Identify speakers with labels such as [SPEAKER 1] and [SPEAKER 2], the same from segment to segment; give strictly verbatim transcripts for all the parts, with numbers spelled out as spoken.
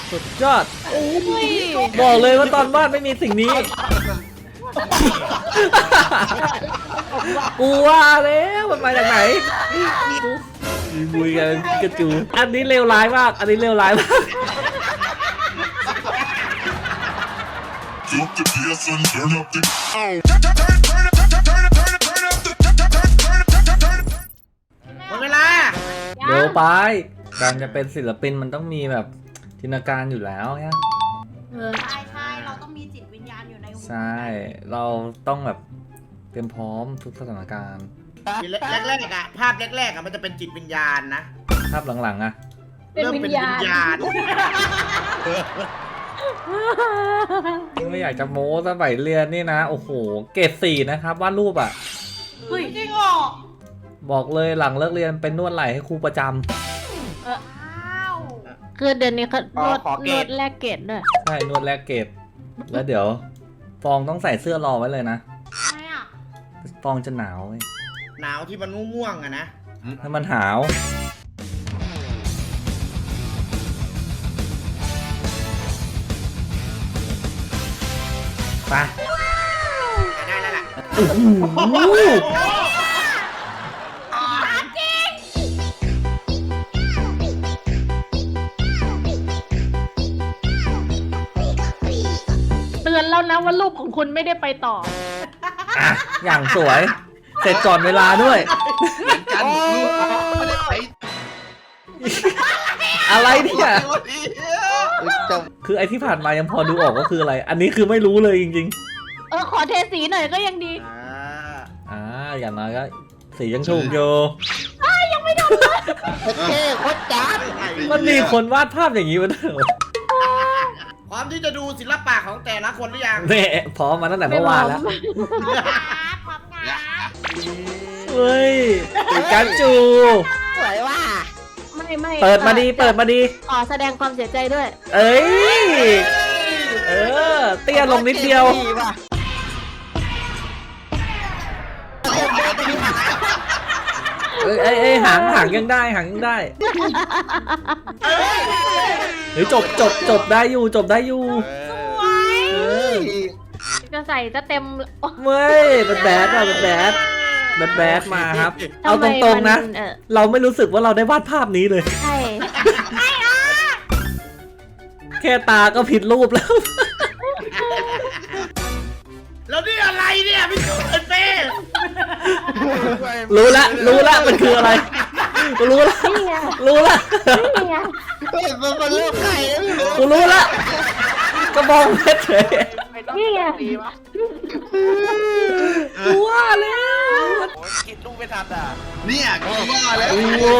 [SPEAKER 1] สุดยอดบอกเลยว่าตอนวาดไม่มีสิ่งนี้กูว่าแล้วมันมาจากไหนบุยกันกระจูอันนี้เลวร้ายมากอันนี้เลวร้ายมาก
[SPEAKER 2] หมดเวลา
[SPEAKER 1] เดี๋ยวไปการจะเป็นศิลปินมันต้องมีแบบจินตนาการอยู่แล้วเนี่ย
[SPEAKER 3] ใช่ใช่เราต้องมีจิตวิญญาณอยู่ในหัว
[SPEAKER 1] ใช่เราต้องแบบเตรียมพร้อมทุกสถานการณ์
[SPEAKER 2] แรกๆอะภาพแรกๆอะมันจะเป็นจิตวิญญาณนะ
[SPEAKER 1] ภาพหลังๆอะ
[SPEAKER 2] เริ่มเป็นวิญญาณ
[SPEAKER 1] ไม่อยากจะโม้สมัยเรียนนี่นะโอ้โหเกรดสี่นะครับวาดรูปอะ
[SPEAKER 3] เฮ้ยจริงเหรอ
[SPEAKER 1] บอกเลยหลังเลิกเรียนเป็นนวดไหล่ให้ครูประจำ
[SPEAKER 3] เออ
[SPEAKER 4] คือเดือนนี้เขานวดนวดแลกเกรดด้วย
[SPEAKER 1] ใช่นวดแลกเกรดแล้วเดี๋ยวฟองต้องใส่เสื้อรอไว้เลยนะ
[SPEAKER 3] ทำไมอ่ะ
[SPEAKER 1] ฟองจะหนาวเว้ย
[SPEAKER 2] หนาวที่มันง่วงๆอะนะ
[SPEAKER 1] ถ้ามันหาวไป
[SPEAKER 2] ได้แล้วล่ะ
[SPEAKER 4] เตือนแล้วนะว่ารูปของคุณไม่ได้ไปต่อ
[SPEAKER 1] อ่ะอย่างสวยเสร็จก่อนเวลาด้วยอะไรเนี่ยคือไอที่ผ่านมายังพอดูออกก็คืออะไรอันนี้คือไม่รู้เลยจริง
[SPEAKER 4] ๆเออขอเทสีหน่อยก็ยังดี
[SPEAKER 1] อ่าอย่างน้อยก็สียังถูกอยู่
[SPEAKER 4] ยังไม่ทำเลย
[SPEAKER 2] เท่โคตรจ้า
[SPEAKER 1] มันมีคนวาดภาพอย่างนี้มาด้วย
[SPEAKER 2] พร้อมที่จะดูศิลปะของแต่ละคนหรือยัง
[SPEAKER 1] เนี่ยพร้อมมาตั้งแต่เมื่อวานแล้ว
[SPEAKER 3] พร้อมงาน
[SPEAKER 1] เฮ้ยการจู
[SPEAKER 2] สวยว่ะ
[SPEAKER 4] ไม่ไม่
[SPEAKER 1] เปิดมาดีเปิดมาดี
[SPEAKER 4] ขอแสดงความเสียใจด้วย
[SPEAKER 1] เอ้ยเออเตี้ยลงนิดเดียวเอ้ยเอ้ยเอ้ยหางหางยังได้หางยังได้เฮ้ยจบจบจบได้อยู่จบได้อยู่
[SPEAKER 3] สวย
[SPEAKER 4] จะใส่จะเต็ม
[SPEAKER 1] เว้ยมันแบดว่ะมันแบดมันแบดมาครับเอาตรงๆนะเราไม่รู้สึกว่าเราได้วาดภาพนี้เลย
[SPEAKER 4] ใช่
[SPEAKER 1] แค่ตาก็ผิดรูปแล้ว
[SPEAKER 2] แล้วนี่อะไรเนี่ยพี่จูนเต้
[SPEAKER 1] รู้ละรู้ละมันคืออะไรรู้ละรู้ละ
[SPEAKER 2] มันเป็นลูกไก่
[SPEAKER 1] กูรู้ละกระบองเพชรเลย
[SPEAKER 4] นี่ไง
[SPEAKER 1] กูว่าแล้ว
[SPEAKER 2] คิดลูกไม่ทันอ่ะ
[SPEAKER 5] เนี่ยกูว่าแล้ว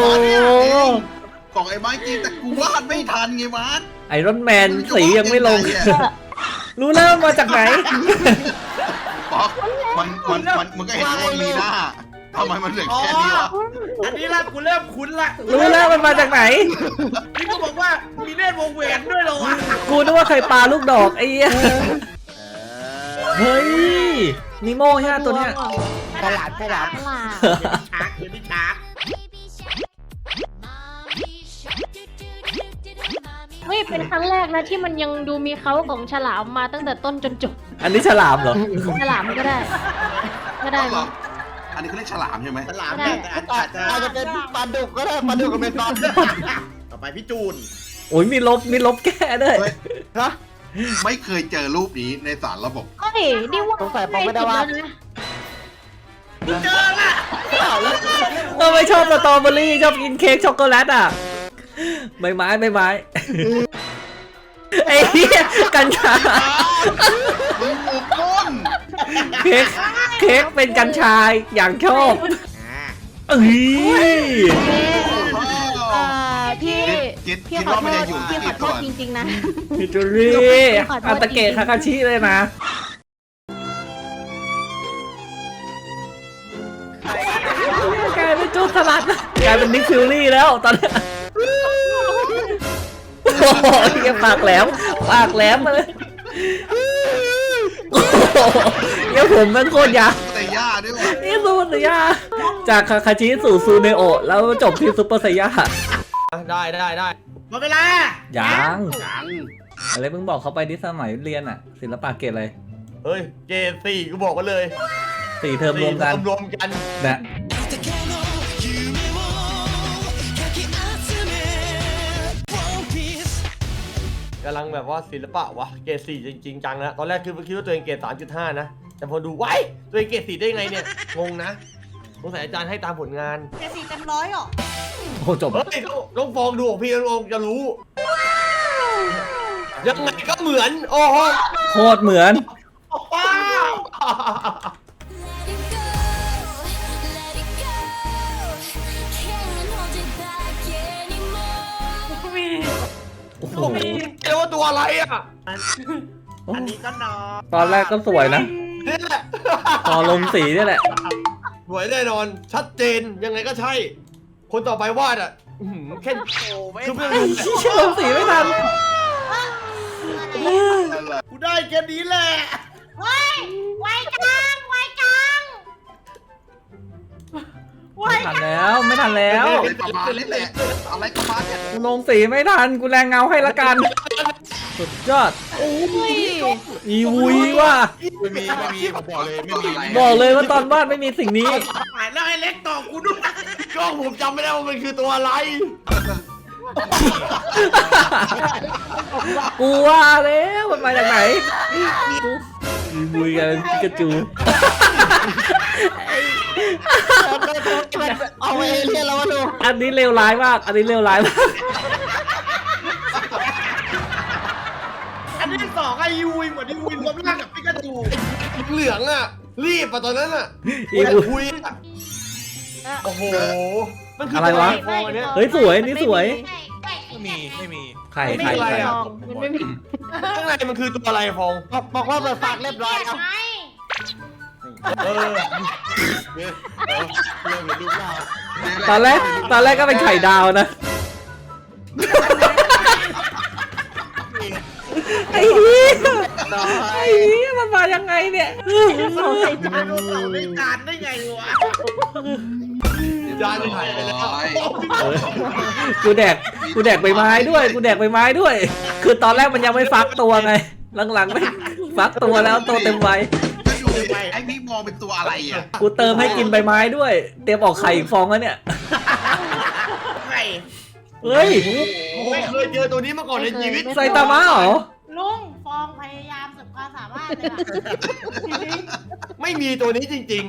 [SPEAKER 5] ของไอ้ไม้จริงแต่กูวาดไม่ทันไงมาร์ค
[SPEAKER 1] ไอรอนแมนสียังไม่ลงรู้แล้วมาจากไหน
[SPEAKER 5] ป๊อกมันมันมันมันก็เห็นว่ามีหน้าทำไมมันเหลือแค่นี้วะ
[SPEAKER 2] อันนี้ละกูเริ่มคุ้นละ
[SPEAKER 1] รู้แล้วมันมาจากไหน
[SPEAKER 2] นี่ก็บอกว่ามีเล่นวงแหวนด้วยเหรอวะ
[SPEAKER 1] กูนึกว่าใครปลาลูกดอกไอ้เหี้ยเฮ้ยนิโม่ใช่ไหมตัวเนี้ย
[SPEAKER 2] ฉลาดฉลาดฉลาดชาร์กคือพี่ชาร์ก
[SPEAKER 4] เฮ้ยเป็นครั้งแรกนะที่มันยังดูมีเขาของฉลามมาตั้งแต่ต้นจนจบ
[SPEAKER 1] อันนี้ฉลามเหรอ
[SPEAKER 4] ฉลามก็ได้ก็ได้
[SPEAKER 5] หรออันนี้เขาเรียกฉลามใช่ไหม
[SPEAKER 2] ฉลามแต่อาจจะอาจจะเป็นปลาดุกก็ได้ปลาดุกกับเมซอนต่อไปพี่จูน
[SPEAKER 1] โอ้ยมีลบมีลบแก้ด้วย
[SPEAKER 5] ฮะไม่เคยเจอรูปนี้ในสารระบบ
[SPEAKER 4] เฮ้ยดิว่า
[SPEAKER 2] สงสัยผมไม่ได้ว่าเจอละ
[SPEAKER 1] เราไม่ชอบสตรอเบอรี่ชอบกินเค้กช็อกโกแลตอ่ะใบไม้ใบไม้ไอ้เหี้ยกัญชาเค้กเค้กเป็นกัญชาอย่างชอบเอ้ย
[SPEAKER 4] พี่พี่ขอโทษพี่ขอโทษจริงๆนะ
[SPEAKER 1] พี่จูรี่อัตเกะคาคาชิเลยนะกลายเป็นจูสลัดกลายเป็นนิกฟิลลี่แล้วตอนนี้โอ้โหปากแหลมปากแหลมมาเลยเดี๋ยวผมมันโคตรยาว
[SPEAKER 5] แต่ย่าด้วยวะ
[SPEAKER 1] นี่ซูเปอร์ย่าจากคาคาชิสู่ซูเนโอแล้วจบที่ซูเปอร์ไซย่า
[SPEAKER 2] ได้ได้ได้หมดเวลา
[SPEAKER 1] ยัง
[SPEAKER 5] ยัง
[SPEAKER 1] อะไรมึงบอกเขาไปที่สมัยเรียนอะศิลปะเกรดอะไร
[SPEAKER 2] เฮ้ยเกรดสี่กูบอกกันเลย
[SPEAKER 1] สี่เทอมรวมกัน
[SPEAKER 2] รวมกัน
[SPEAKER 1] นะ
[SPEAKER 2] กำลังแบบว่าศิลปะวะเกรดสี่จริงๆจังนะตอนแรกคือคิดว่าตัวเองเกรดสามจุดห้านะแต่พอดูไว้ตัวเองเกรดสี่ได้ไงเนี่ยงงนะสงสัยอาจารย์ให้ตามผลงาน
[SPEAKER 3] เจ็ดสี่เต็มร้อยหรอ
[SPEAKER 1] โอ้จบ
[SPEAKER 2] เฮ้ยต้องต้องฟองดูของพี่น้องจะรู้ยังไงก็เหมือนโอ้โห
[SPEAKER 1] โคตรเหมือน
[SPEAKER 2] ว้าว
[SPEAKER 3] มี
[SPEAKER 1] โอ้โห
[SPEAKER 2] ผมเรียกว่าตัวอะไรอ่ะ
[SPEAKER 3] อันนี้ก็น้อง
[SPEAKER 1] ตอนแรกก็สวยนะ
[SPEAKER 2] นี่แหละ
[SPEAKER 1] พอลงสีนี่แหละ
[SPEAKER 2] สวยแน่นอนชัดเจนยังไงก็ใช่ คนต่อไปวาดอ่ะอื้อหือแค่คือเพื่อน
[SPEAKER 1] ไอ้เชี่ยลงสีไม่ทัน
[SPEAKER 2] กูได้แค่นี้แหละ
[SPEAKER 3] เฮ้ยไวจังไวจังไว
[SPEAKER 1] ไม่ทัน
[SPEAKER 3] จัง
[SPEAKER 1] แล้วไม่ทันแล้ว
[SPEAKER 5] เป็นประมาณนี้แหละอะไรประมาณเนี้ย
[SPEAKER 1] กูลงสีไม่ทันกูแรงเงาให้ละกันสุดยอด
[SPEAKER 4] โอ้ย
[SPEAKER 1] อีวุยว่ะ
[SPEAKER 5] ไม่มีไม่มีผมบอกเลยไม่มี
[SPEAKER 1] บอกเลยว่าตอนวาดไม่มีสิ่งนี้
[SPEAKER 2] แล้วไอ้เล็กต่อกูด้วยกล้องผมจำไม่ได้ว่ามันคือตัวอะไร
[SPEAKER 1] กูว่าแล้วมันมาจากไหนกูอีวุยกันพิกาจู
[SPEAKER 2] เอาไปเรียนแล้ววะลูก
[SPEAKER 1] อันนี้เลวร้ายมากอันนี้เลวร้ายมาก
[SPEAKER 2] อันที่สองไอ้ยูวิเหมือนยูวิรวมร่างกับปิกาจูเหลืองอ่ะรีบอ่ะตอนนั้นอ่ะ
[SPEAKER 1] อี
[SPEAKER 2] ไอ้
[SPEAKER 1] วุย
[SPEAKER 2] คุยอ่ะโอ้โหมันคือ
[SPEAKER 1] อะไรวะ
[SPEAKER 2] ฟองอันเนี้ย
[SPEAKER 1] เฮ้ยสวยนี่สวย
[SPEAKER 3] ไม่มีไม่มี
[SPEAKER 1] ไข่
[SPEAKER 2] ไม่
[SPEAKER 1] ไข่
[SPEAKER 2] มีอะไร
[SPEAKER 1] ไข่
[SPEAKER 2] อะ
[SPEAKER 4] มันไม่มี
[SPEAKER 2] ข้างในมันคือตัวอะไรฟองบอกว่าเปิดฝากเรียบร้อยครับเออ
[SPEAKER 5] เริ่มเป็นรูปร่าง
[SPEAKER 1] ตอนแรกตอนแรกก็เป็นไข่ดาวนะไอ้เหี้ยไอ้เหี้ยมันมายังไงเนี่ย
[SPEAKER 4] สองใส่จาน
[SPEAKER 2] เราได้จานได้ไงวะจานหายไปแล้ว
[SPEAKER 1] เออกูแดกกูแดกใบไม้ด้วยกูแดกใบไม้ด้วย คือตอนแรกมันยังไม่ฟักตัวไงหลังๆไม่ฟักตัวแล้วตัวเต็มวัย
[SPEAKER 5] ไม่ดูไอ้พี่มองเป็นตัวอะไรอ่ะ
[SPEAKER 1] กูเติมให้กินใบไม้ด้วย เตรียมออกไข่อีกฟองแล้วเนี่ย
[SPEAKER 2] ไข่
[SPEAKER 1] เฮ้ย
[SPEAKER 2] ไม่เคยเจอตัวนี้มาก่อนในชีวิต
[SPEAKER 1] ไซตามะเหรอ
[SPEAKER 3] ลุงฟองพยายามสุดความสามารถเลยอะ
[SPEAKER 2] ไม่มีตัวนี้จริง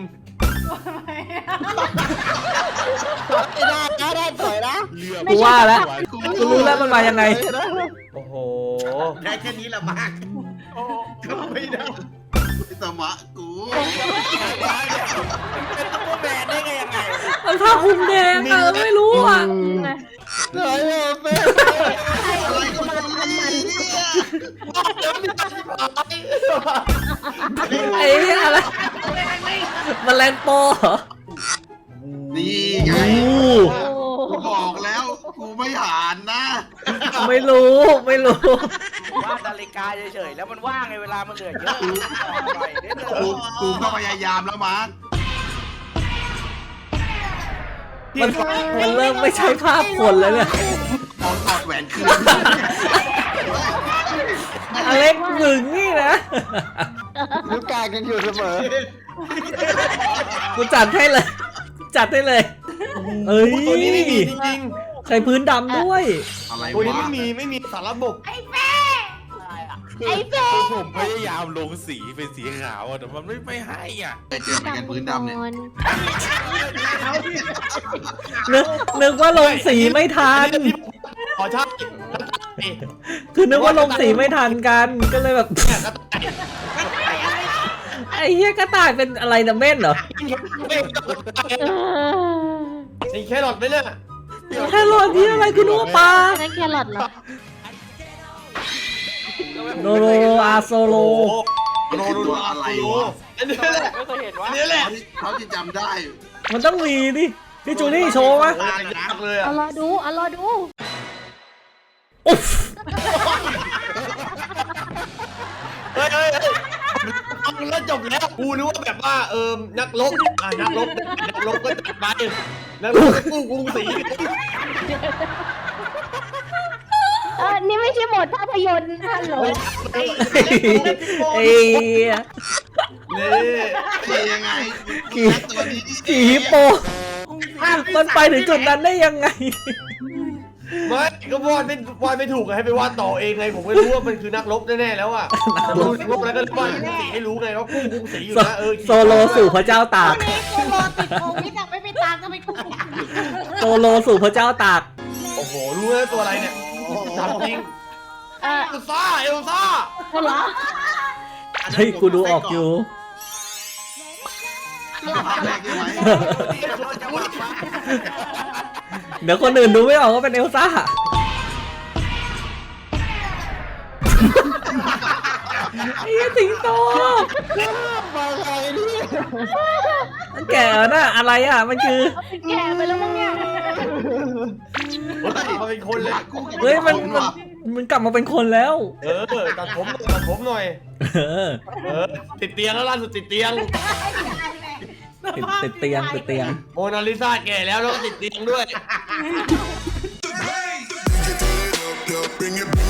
[SPEAKER 6] ไม่ได้นะได้สวยนะ
[SPEAKER 1] กูว่าแล้วกูรู้แล้วมันมายังไง
[SPEAKER 2] ๆ โอ้โห ได้แค่นี้ละมากทำไม่ได้
[SPEAKER 5] พี่ตมะกู
[SPEAKER 6] เป็นตัวแบนได้ไงยังไง
[SPEAKER 1] มันผ้าคลุมแดงอะไม่รู้อ่ะ
[SPEAKER 6] สวยเลยเป็น
[SPEAKER 5] อะไรก็ไมันเนี่ย
[SPEAKER 1] ไอ้เหี้ยอะไรแมลงปอเหรอ
[SPEAKER 5] นี่ไง
[SPEAKER 1] โอ้
[SPEAKER 5] กูบอกแล้วกูไม่หานนะ
[SPEAKER 1] ไม่รู้ไม่รู้
[SPEAKER 6] ว่านาฬิกาเฉยๆแล้วมันว่างไงเวลามันเหลือเยอะปล่อยได้เลย
[SPEAKER 5] กูกูก็พยายามแล้วมาร์ค
[SPEAKER 1] มันมันเริ่มไม่ใช่ภาพคนแล้วเนี่ย
[SPEAKER 5] มองถอดแหวนคืน
[SPEAKER 1] อเล็กหนึ่งนี่นะ
[SPEAKER 6] นิ้วกลางยังอยู่เสมอ
[SPEAKER 1] กูจัดให้เลยจัดให้เลยเอ้ย
[SPEAKER 2] ตัวนี้ไม่มีจริง
[SPEAKER 1] ใช้พื้นดำด้วย
[SPEAKER 5] อะไร
[SPEAKER 2] ๆ ตัวนี้
[SPEAKER 5] วะ
[SPEAKER 2] ไม่มีไม่มีสารระบบ
[SPEAKER 3] ไอ้เป้
[SPEAKER 4] ไอ้เป้
[SPEAKER 7] คือผมพยายามลงสีเป็นสีขาวอะแต่มันไม่ไม่ให้อ่ะ
[SPEAKER 5] ไปเจอเหมือนกันพื้นดำเนี่ย
[SPEAKER 1] นึกนึกว่าลงสีไม่ทัน
[SPEAKER 2] ขอชาติ
[SPEAKER 1] คือนึกว่าลงสีไม่ทันกันก็เลยแบบไอ้เหี้ยกระต่ายเป็นอะไรนะเม่นเหรอ
[SPEAKER 2] นี่แครอทไหมเนี่ย
[SPEAKER 1] แค่รอที่อะไรคือนัวปลา
[SPEAKER 4] นั่นแครอทเหรอ
[SPEAKER 1] โนโรอาโซโล
[SPEAKER 2] โนโนโนอะไรวะอันนี้แหละ
[SPEAKER 6] ไม่เคยเห็นว่า
[SPEAKER 2] อันนี้แหละ
[SPEAKER 5] เขาที่จำได้
[SPEAKER 1] มันต้องมีดิพี่จูนี่โชว์มะ
[SPEAKER 2] ตายยากเลย
[SPEAKER 4] เอา
[SPEAKER 2] อ่ะ
[SPEAKER 4] รอดูเอารอดู
[SPEAKER 1] อุ๊ฟ
[SPEAKER 2] เฮ้ยเฮ้ยเฮ้ยเอาแล้วจบแล้วกูนึกว่าแบบว่าเออนักรบอ่ะนักรบนักรบก็จัดไปนักรบก็กู้กรุงศรี
[SPEAKER 4] อนี่ไม่ใช่โหมดภาพยนตร์ฮัลโหล
[SPEAKER 1] ไอ้เหี้ย
[SPEAKER 2] นี่
[SPEAKER 5] ขี่ยังไง
[SPEAKER 1] ขี่
[SPEAKER 5] ตัวนี้
[SPEAKER 1] ขี่ฮิปโปมันไปถึงจุดนั้นได้ยังไง
[SPEAKER 2] ไม่ก็วาดไม่วาดไม่ถูกไงให้ไปวาดต่อเองไงผมไม่รู้ว่ามันคือนักรบแน่ๆแล้วอ่ะจะรู้นักรบแล้วก็วาดสีให้รู้ไงว่ากุ้งกุ้งสีอยู่นะเออ
[SPEAKER 1] โซโลสู่พระเจ้าตาก
[SPEAKER 3] นี่กูรอติดโควิดอะไม่ไปตามก็ไม่กู
[SPEAKER 1] โซโลสู่พระเจ้าตาก
[SPEAKER 2] โอ้โหรู้ไหมตัวอะไรเนี่ยถามจริง
[SPEAKER 4] เออ
[SPEAKER 2] เอลซ่าเอลซ่า
[SPEAKER 4] เหรอ
[SPEAKER 1] เฮ้ยกูดูออกอยู่
[SPEAKER 5] ภาพแรกใช่ไหม
[SPEAKER 1] เดี๋ยวคนอื่นดูไม่ออกว่าเป็นเอลซ่าไอ้เหี้ยสิงโตมันแก่แล้วน่ะอะไรอ่ะมันคือ
[SPEAKER 4] แก่ไปแล้วมั้งเนี่ย
[SPEAKER 2] เขาเป็นคนเลย
[SPEAKER 1] เฮ้ยมันมันมันกลับมาเป็นคนแล้ว
[SPEAKER 2] เออตัดผมตัดผมหน่อย
[SPEAKER 1] เออ
[SPEAKER 2] เออติดเตียงแล้วล่าสุดติดเตียง
[SPEAKER 1] ติดติดเตียงติดเตียง
[SPEAKER 2] โมนาลิซาแก่แล้วแล้วก็ติดเตียงด้วย
[SPEAKER 8] Bring it